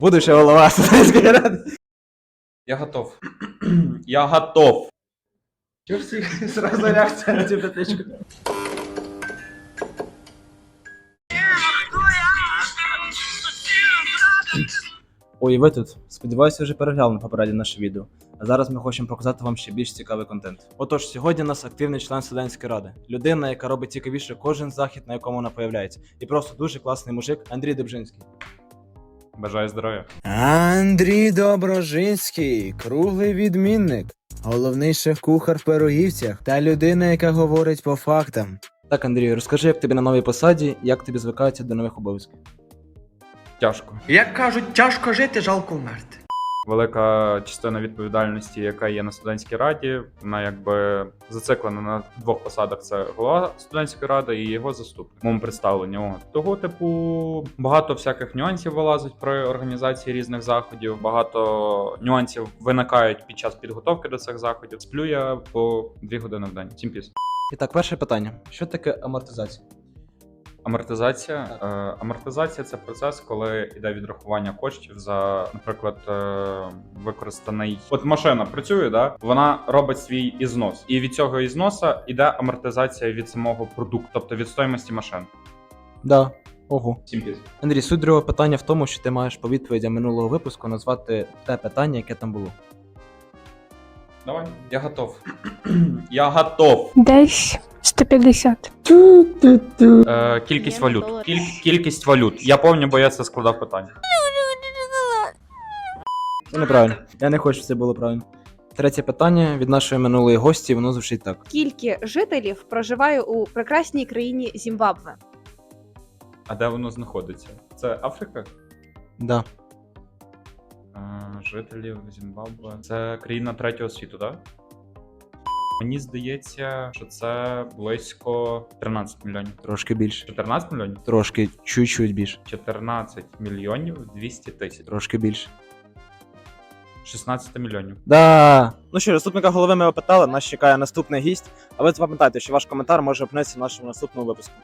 Будущая голова студентської ради. Я готов. Я готов. Чого ж всіх зразу реакція на цю петличку? Ой, і ви тут. Сподіваюся, вже переглянули попереднє наше відео. А зараз ми хочемо показати вам ще більш цікавий контент. Отож, сьогодні у нас активний член студентської ради. Людина, яка робить цікавіше кожен захід, на якому вона появляється. І просто дуже класний мужик Андрій Добжинський. Бажаю здоров'я. Андрій Доброжинський, круглий відмінник, головний шеф-кухар в Пирогівцях та людина, яка говорить по фактам. Так, Андрію, розкажи, як тобі на новій посаді, як тобі звикається до нових обов'язків. Тяжко. Як кажуть, тяжко жити, жалко вмерти. Велика частина відповідальності, яка є на студентській раді, вона якби зациклена на двох посадах: це голова студентської ради і його заступник. В моєму представленні. Того типу багато всяких нюансів вилазить при організації різних заходів. Багато нюансів виникають під час підготовки до цих заходів. Сплю я по 2 години в день. Всім піс. І так, перше питання. Що таке амортизація? Амортизація. Амортизація – це процес, коли йде відрахування коштів за, наприклад, використаний. От машина працює, да? Вона робить свій ізнос. І від цього ізноса йде амортизація від самого продукту, тобто від стоїмості машин. Да. Ого. Всім піс. Андрій, суть другого питання в тому, що ти маєш по відповідям минулого випуску назвати те питання, яке там було. Давай. Я готов. Я готов. Десь 150. Кількість валют. Кількість валют. Я пам'ятаю, бо я це складав питання. Це неправильно. Я не хочу, щоб це було правильно. Третє питання від нашої минулої гості, воно звучить так. Скільки жителів проживає у прекрасній країні Зімбабве? А де воно знаходиться? Це Африка? Да. Жителів Зімбабве. Це країна третього світу, так? Мені здається, що це близько 13 мільйонів. Трошки більше. 14 мільйонів? Трошки, чуть-чуть більше. 14 мільйонів 200 тисяч. Трошки більше. 16 мільйонів. Да. Ну що, заступника голови ми опитали, нас чекає наступний гість. А ви запам'ятайте, що ваш коментар може опинитися в нашому наступному випуску.